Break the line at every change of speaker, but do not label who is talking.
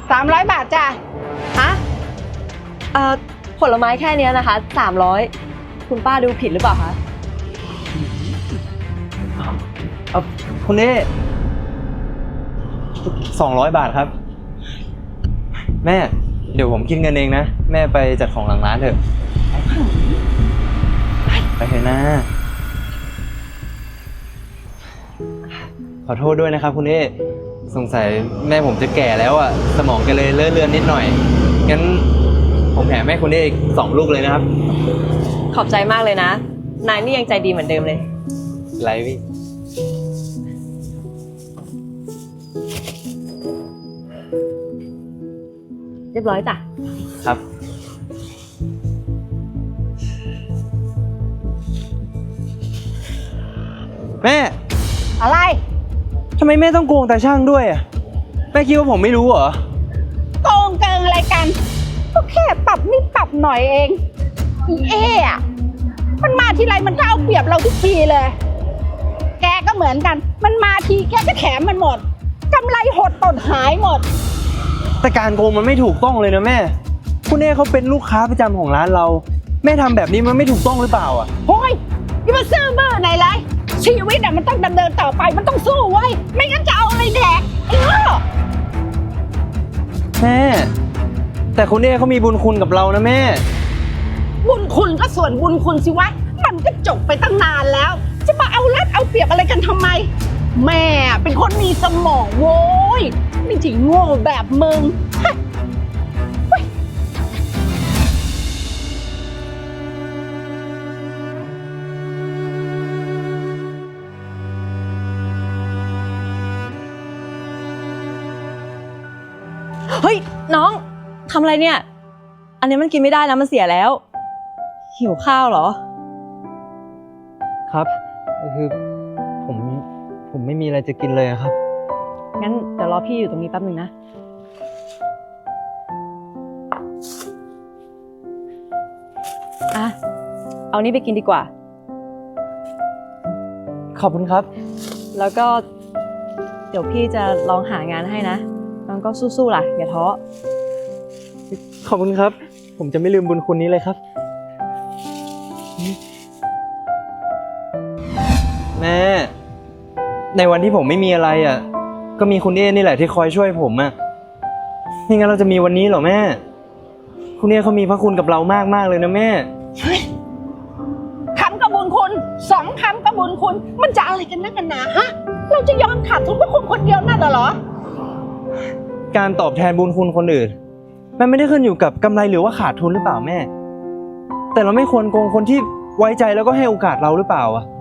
300 บาทจ้ะ
ฮะผลไม้แค่นี้นะคะ300คุณป้าดูผิดหรือเปล่าคะ
คุณเน่200 บาทครับแม่เดี๋ยวผมคิดเงินเองนะแม่ไปจัดของหลังร้านเถอะไปเถอะนะขอโทษด้วยนะครับคุณเน่สงสัยแม่ผมจะแก่แล้วอ่ะสมองแกเลยเลอะเลือนนิดหน่อยงั้นผมแถมให้คุณเน่อีก2 ลูกเลยนะครับ
ขอบใจมากเลยนะนายนี่ยังใจดีเหมือนเดิมเลย
ไรพี่
เรียบร้อยจ้ะ
ครับแม่
อะไร
ทำไมแม่ต้องโกงตาช่างด้วยอ่ะแม่คิดว่าผมไม่รู้เหรอ
โกงเกิงอะไรกันก็แค่ปรับนิดปรับหน่อยเองอีอะมันมาทีไรมันก็เอาเปรียบเราทุกทีเลยแกก็เหมือนกันมันมาทีแกก็แถมมันหมดกำไรหดตดหายหมด
แต่การโกงมันไม่ถูกต้องเลยนะแม่คุณเน่เขาเป็นลูกค้าประจำของร้านเราแม่ทำแบบนี้มันไม่ถูกต้องหรือเปล่าอ่ะ
โอ้ยอย่ามาซื่อบื้อไหนเลยชีวิตอะมันต้องดำเนินต่อไปมันต้องสู้ไว้ไม่งั้นจะเอาอะไรแดก
แม่แต่คุณเน่เขามีบุญคุณกับเรานะแม่
บุญคุณก็ส่วนบุญคุณสิวะมันก็จบไปตั้งนานแล้วจะมาเอารัดเอาเปรียบอะไรกันทำไมแม่เป็นคนมีสมองโว้ยไม่ใช่โง่แบบมึง
เฮ้ยน้องทำอะไรเนี่ยอันนี้มันกินไม่ได้นะมันเสียแล้วหิวข้าวเหรอ
ครับคือผมไม่มีอะไรจะกินเลยครับ
งั้นเดี๋ยวรอพี่อยู่ตรงนี้แป๊บนึงนะอ่ะเอานี้ไปกินดีกว่า
ขอบคุณครับ
แล้วก็เดี๋ยวพี่จะลองหางานให้นะน้องก็สู้ๆล่ะอย่าท้อ
ขอบคุณครับผมจะไม่ลืมบุญคุณนี้เลยครับแม่ในวันที่ผมไม่มีอะไรอ่ะก็มีคุณเน่นี่แหละที่คอยช่วยผมอ่ะไม่งั้นเราจะมีวันนี้เหรอแม่คุณเน่เขามีพระคุณกับเรามากๆเลยนะแม่
คำกับบุญคุณ2 คำกับบุญคุณมันจะอะไรกันนักกันหนาฮะเราจะยอมขาดทุนเพราะคุณคนเดียวนั่นเหรอ
การตอบแทนบุญคุณคนอื่นมันไม่ได้ขึ้นอยู่กับกำไรหรือว่าขาดทุนหรือเปล่าแม่แต่เราไม่ควรโกงคนที่ไว้ใจแล้วก็ให้โอกาสเราหรือเปล่าอ่ะ